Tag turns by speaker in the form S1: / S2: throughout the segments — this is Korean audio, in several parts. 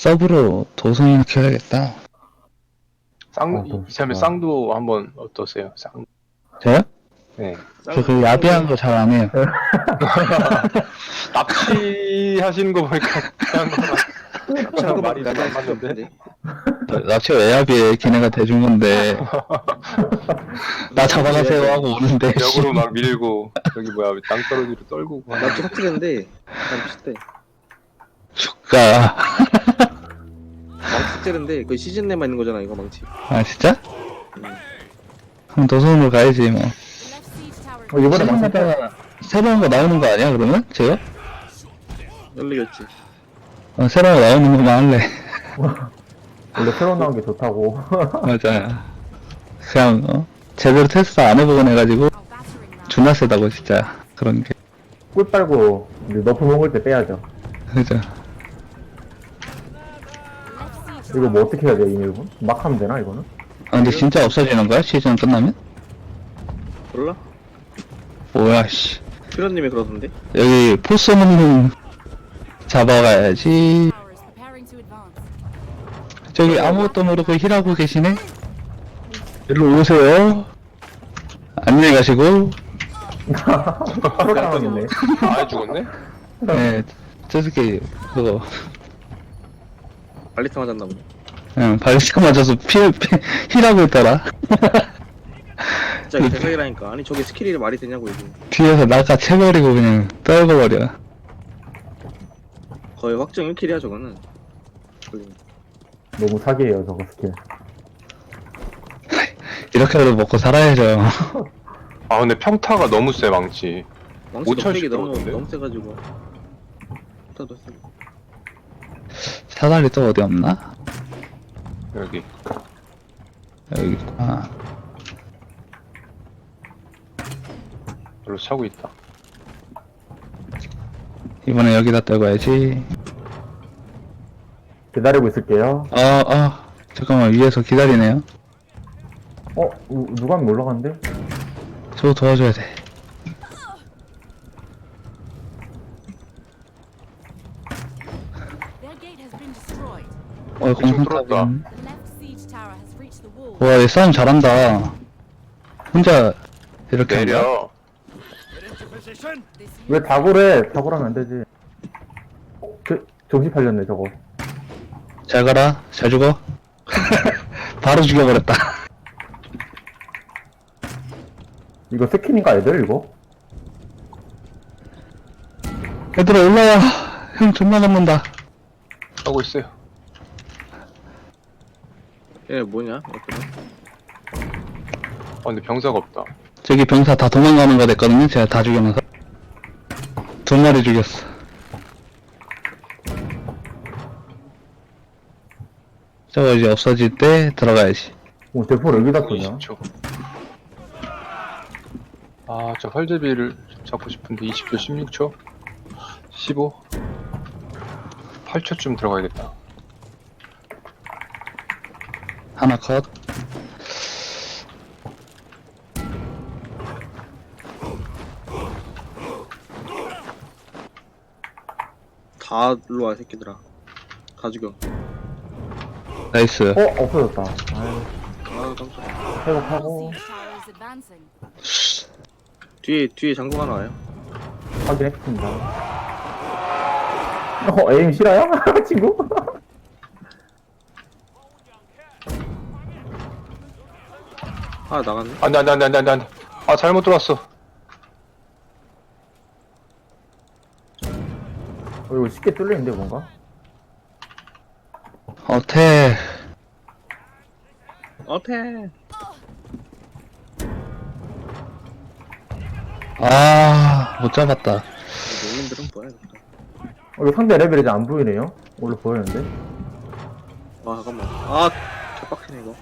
S1: 서브로 도성이나 키워야겠다.
S2: 이참에
S3: 좋다.
S2: 쌍도 한번 어떠세요? 쌍.
S1: 저요?
S2: 네.
S1: 저 그 야비한 거 잘 안 해요.
S2: 납치하시는 거 보니까 그냥 납치랑 말이 안
S4: 나갈 수
S2: 맞는데.
S4: 없는데.
S1: 납치가 왜 야비해? 걔네가 대준 건데. 나 잡아가세요 하고 오는데.
S2: 벽으로 막 밀고 여기 뭐야 땅떨어지로 떨구고.
S4: 납치 삭제됐는데 난 비슷해.
S1: 죽가.
S4: 망치 삭제됐는데 그 시즌 내만 있는 거잖아 이거 망치.
S1: 아, 진짜?
S4: 음.
S1: 그럼 도성으로 가야지, 뭐.
S3: 이번에 막상
S1: 새로운 새로운 거 나오는 거 아니야, 그러면? 제가?
S4: 열리겠지.
S1: 새로운 거 나오는 거만 할래.
S3: 원래 새로 나온 게 좋다고.
S1: 맞아. 그냥, 제대로 테스트 안 해보곤 해가지고, 존나 세다고, 진짜. 그런 게.
S3: 꿀 빨고 이제 너프 먹을 때 빼야죠.
S1: 그죠.
S3: 이거 뭐 어떻게 해야 돼, 이 맵은? 막 하면 되나, 이거는?
S1: 아, 근데 진짜 없어지는 거야? 시즌 끝나면?
S4: 몰라?
S1: 뭐야, 씨.
S4: 피로님이 그러던데.
S1: 여기 포스 먹는 잡아가야지. 저기 아무것도 모르고 힐하고 계시네? 일로 오세요. 안녕히 가시고.
S3: 프로 당하겠네.
S2: 아 죽었네?
S1: 네, 저 새끼, 그거,
S4: 발리타 맞았나 보네.
S1: 그냥 발리스카 맞아서 힐하고 있더라.
S4: 진짜 이게 대박이라니까. 아니 저게 스킬이 말이 되냐고 이게.
S1: 뒤에서 낚아채버리고 그냥 떨궈버려.
S4: 거의 확정 1킬이야 저거는. 걸리면.
S3: 너무 사기예요, 저거 스킬.
S1: 이렇게라도 먹고 살아야죠.
S2: 아 근데 평타가 너무 세 망치.
S4: 망치
S2: 5,000씩
S4: 넉백이 너무
S2: 들어오던데?
S4: 너무 세가지고. 터도 세.
S1: 사다리 또 어디 없나?
S2: 여기.
S1: 여기 있구나.
S2: 별로 차고 있다.
S1: 이번에 여기다 떨궈야지.
S3: 기다리고 있을게요.
S1: 잠깐만, 위에서 기다리네요.
S3: 누가 하면 올라갔는데?
S1: 저거 도와줘야 돼.
S2: 이쪽 뚫었다.
S1: 와, 얘 싸움 잘한다. 혼자 이렇게 한 거야?
S2: 내려.
S3: 왜 다굴해? 다굴하면 안 되지. 정신 팔렸네, 저거.
S1: 잘 가라. 잘 죽어. 바로 죽여버렸다.
S3: 이거 스킨인가, 애들, 이거?
S1: 얘들아, 올라와. 형 존나 잡는다.
S2: 하고 있어요.
S4: 얘 뭐냐? 이렇게.
S2: 근데 병사가 없다.
S1: 저기 병사 다 도망가는 거 됐거든요. 제가 다 죽여놔서. 2마리 죽였어. 저거 이제 없어질 때 들어가야지.
S3: 대포를 여기다 쏘냐?
S2: 20초. 저 활제비를 잡고 싶은데 20초, 16초, 15, 8초쯤 들어가야겠다.
S1: 하나 컷.
S4: 다 일로 와 새끼들아. 다 죽여.
S1: 나이스.
S3: 없어졌다. 아유,
S4: 아 깜짝이야.
S3: 회복하고,
S4: 뒤에 장군 하나 와요.
S3: 확인했습니다. 에임 실화야? 친구?
S4: 아 나갔네.
S2: 안 돼. 잘못 들어왔어.
S3: 이거 쉽게 뚫리는데, 뭔가?
S1: 어태.
S4: 어패.
S1: 못 잡았다.
S4: 농민들은 뭐야 이거.
S3: 이거 상대 레벨이 이제 안 보이네요? 원래 보였는데?
S4: 아 잠깐만. 아 개빡치네 이거.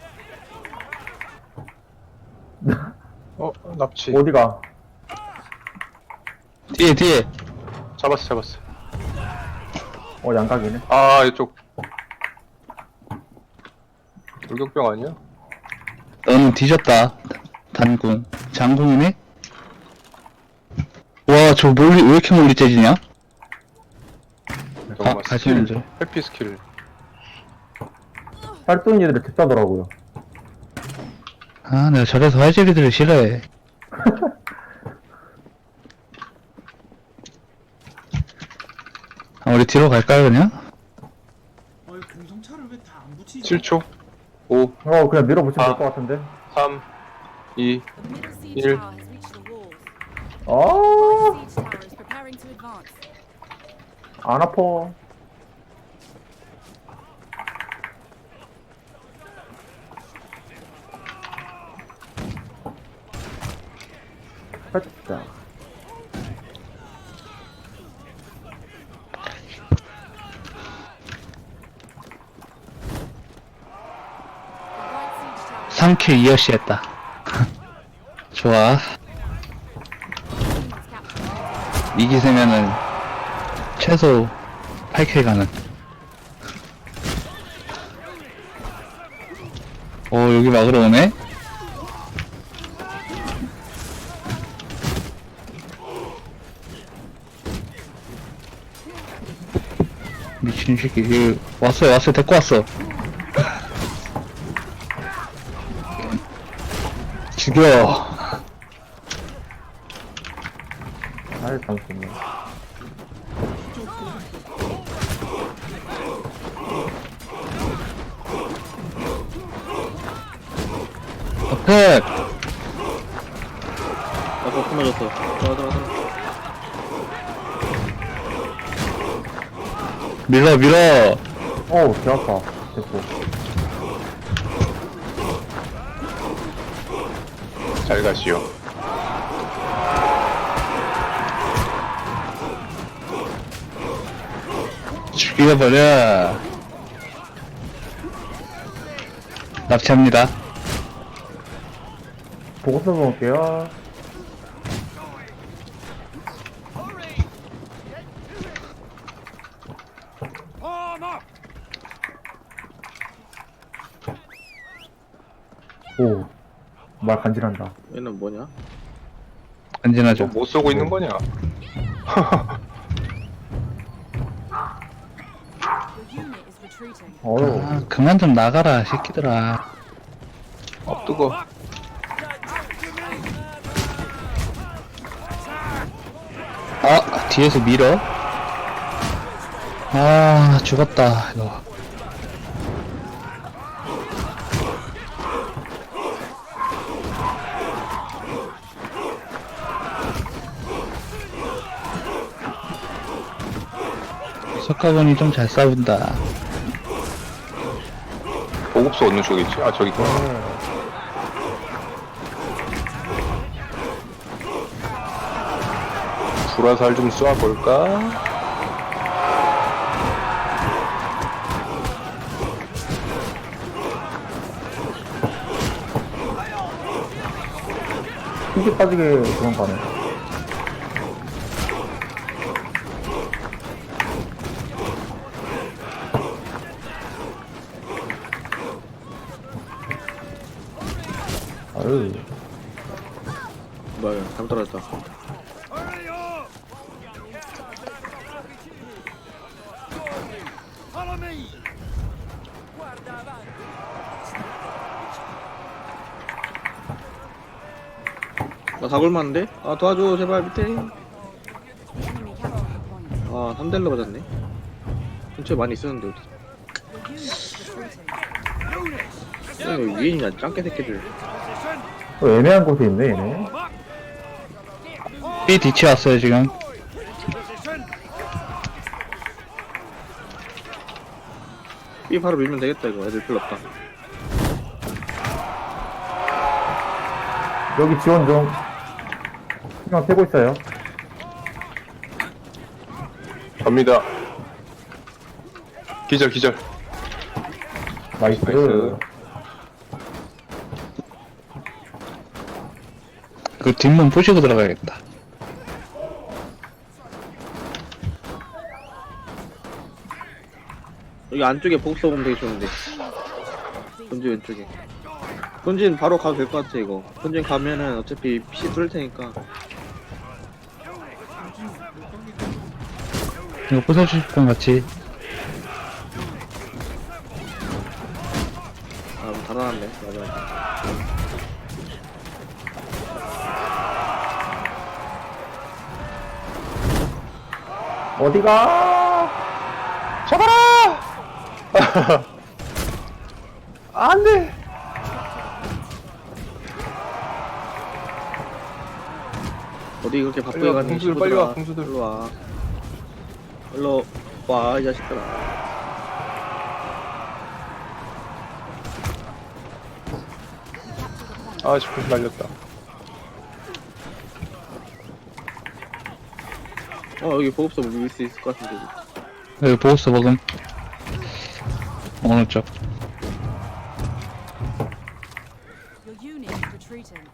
S2: 납치.
S3: 어디가?
S1: 뒤에.
S2: 잡았어.
S3: 양각이네.
S2: 이쪽. 돌격병 아니야?
S1: 너는 뒤졌다. 단군. 장군이네? 와, 저 왜 이렇게 멀리 째지냐?
S2: 잠깐만.
S1: 가시는 줄.
S2: 회피 스킬.
S3: 활동 얘들이 특사더라고요.
S1: 아, 내가 저래서 활제비들을 싫어해. 아, 우리 뒤로 갈까요, 그냥?
S5: 어이 공성차를 왜 다 안 붙이지?
S2: 7초. 5,
S3: 그냥 밀어붙이면
S2: 아.
S3: 될 것 같은데.
S2: 3, 2,
S6: Middle siege
S2: Il-
S6: tower has reached the walls.
S3: 아,
S6: Right siege tower is preparing to advance.
S3: 안 아파. 살짝.
S6: The right siege tower
S1: 3킬 2어시 했다. 좋아.
S6: team has captured.
S1: 이 기세면은 최소 8킬 가는. 오, 여기 막으러 오네? 미친 새끼. 이거 왔어요, 데리고 왔어. 죽여.
S3: 아이, 잠시만요.
S1: 앞에
S4: 아까 끊어졌어. 들어가.
S1: 밀어.
S3: 어우, 개 아파. 됐고.
S2: 잘 가시오.
S1: 죽여버려. 납치합니다.
S3: 보고 써볼게요. 오, 말 간지난다.
S4: 얘는 뭐냐?
S1: 안전하죠.
S2: 못 쏘고 있는 거냐?
S6: Your unit is retreating.
S3: 어우,
S1: 아, 그만 좀 나가라, 새끼들아.
S2: 뜨거.
S1: 아, 뒤에서 밀어. 아, 죽었다, 이거. 석가건이 좀 잘 싸운다.
S2: 보급소 어느 쪽이지? 아, 저기 있구나. 불화살 좀 쏴볼까?
S3: 힘기 빠지게 그런 거네. 아유,
S4: 뭐야, 잘못 떨어졌다. 나 다굴맞는데? 아, 도와줘, 제발, 밑에.
S6: The enemy captured the point.
S4: 아, 3대1로 맞았네. 근처에 많이 있었는데, 어디.
S6: Your unit is retreating.
S4: 왜 위에 있냐, 짱깨 새끼들.
S3: 애매한 곳에 있네, 얘네.
S1: B 뒤치 왔어요, 지금.
S4: B 바로 밀면 되겠다, 이거. 애들 필요 없다.
S3: 여기 지원 좀. 그냥 패고 있어요.
S2: 갑니다. 기절.
S3: 나이스.
S2: 나이스.
S1: 그 뒷문 부시고 들어가야겠다.
S4: 여기 안쪽에 보급소 보면 되게 좋은데. 본진 왼쪽에. 본진 바로 가도 될 것 같아, 이거. 본진 가면은 어차피 PC 뚫을 테니까.
S1: 이거 부숴주실 분 같이.
S4: 달아났네. 맞아.
S3: 어디가?
S2: 잡아라! 안 돼!
S4: 어디 그렇게 바쁘게
S2: 빨리 와,
S4: 가니?
S2: 공수들 빨리 와, 공수들.
S4: 일로 와. 일로 와, 이 자식들아.
S2: 아, 지금 날렸다.
S4: 여기 보급소 밀 수 있을 것 같은데.
S1: 여기 보고서 먹음. 어느 쪽?
S6: Your unit is retreating.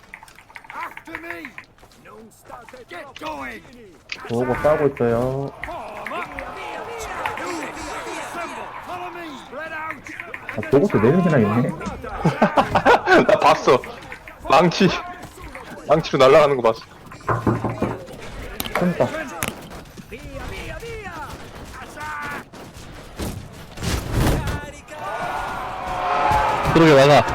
S3: 보고 싸우고 있어요. 아, 보고서 네 명이나 있네.
S2: 나 봤어. 망치로 날아가는 거 봤어.
S3: 큰다.
S1: 그러게 막아.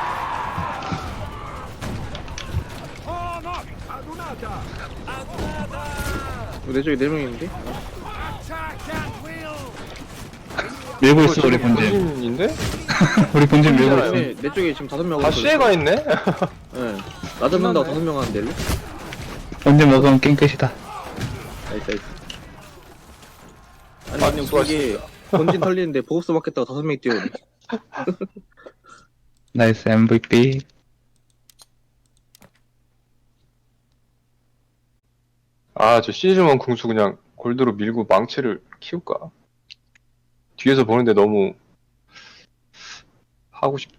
S4: 내 쪽에 4명 있는데?
S1: 밀고 있어 우리 본진.
S2: 본진인데?
S1: 우리 본진 밀고 있어.
S4: 내 쪽에 지금 5명
S2: 다 시에가 있네?
S4: 네. 나 잡는다고 5명 하는데, 일로?
S1: 본진 먹으면 게임 끝이다.
S4: 나이스. 아니,
S2: 아,
S4: 그냥
S2: 수고하셨습니다.
S4: 그게 본진 털리는데 보급소 맞겠다고 5명이 뛰어오네.
S1: 나이스 MVP.
S2: 아, 저 시즈먼 궁수 그냥 골드로 밀고 망치를 키울까? 뒤에서 보는데 너무 하고 싶